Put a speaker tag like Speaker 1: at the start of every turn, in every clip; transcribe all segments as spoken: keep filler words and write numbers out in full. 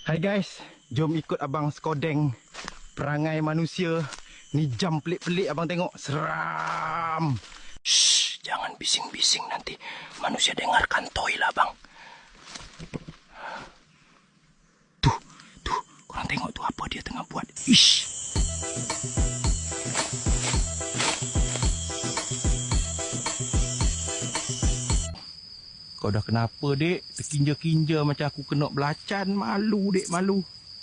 Speaker 1: Hai guys, jom ikut abang Skodeng. Perangai manusia. Ni jam pelik-pelik abang tengok. Seram. Shh, jangan bising-bising nanti manusia dengar kantoi lah bang. Tuh, tuh, korang tengok tu apa dia tengah buat. Ish. Kau dah kenapa dek? Terkinja-kinja macam aku kena belacan. Malu dek, malu.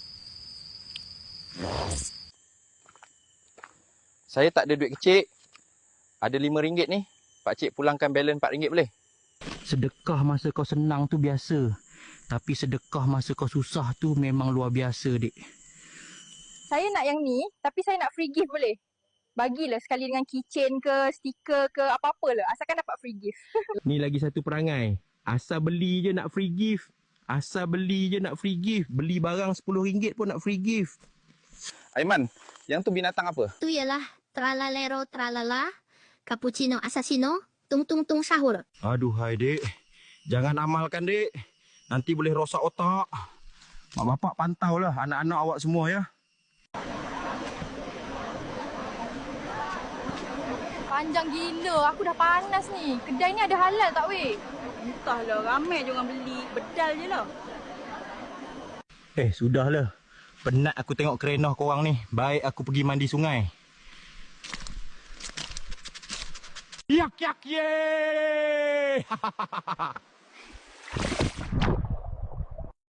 Speaker 2: Saya tak ada duit kecil. Ada lima ringgit ni. Pakcik pulangkan balance empat ringgit boleh?
Speaker 1: Sedekah masa kau senang tu biasa. Tapi sedekah masa kau susah tu memang luar biasa dek.
Speaker 3: Saya nak yang ni, tapi saya nak free gift boleh? Bagilah sekali dengan keychain ke, stiker ke, apa-apa lah. Asalkan dapat free gift.
Speaker 1: Ni lagi satu perangai. Asal beli je nak free gift. Asal beli je nak free gift. Beli barang sepuluh ringgit pun nak free gift.
Speaker 2: Aiman, yang tu binatang apa?
Speaker 4: Tu ialah tralalero tralala, cappuccino assassino, tung tung tung sahur.
Speaker 1: Aduh hai dek. Jangan amalkan dek. Nanti boleh rosak otak. Mak bapak pantau lah anak-anak awak semua ya.
Speaker 3: Panjang gila. Aku dah panas ni. Kedai ni ada halal tak weh?
Speaker 5: Entahlah, ramai je orang beli. Bedal je lah.
Speaker 1: Eh, sudahlah. Penat aku tengok kerenah korang ni. Baik aku pergi mandi sungai. Yak yak ye!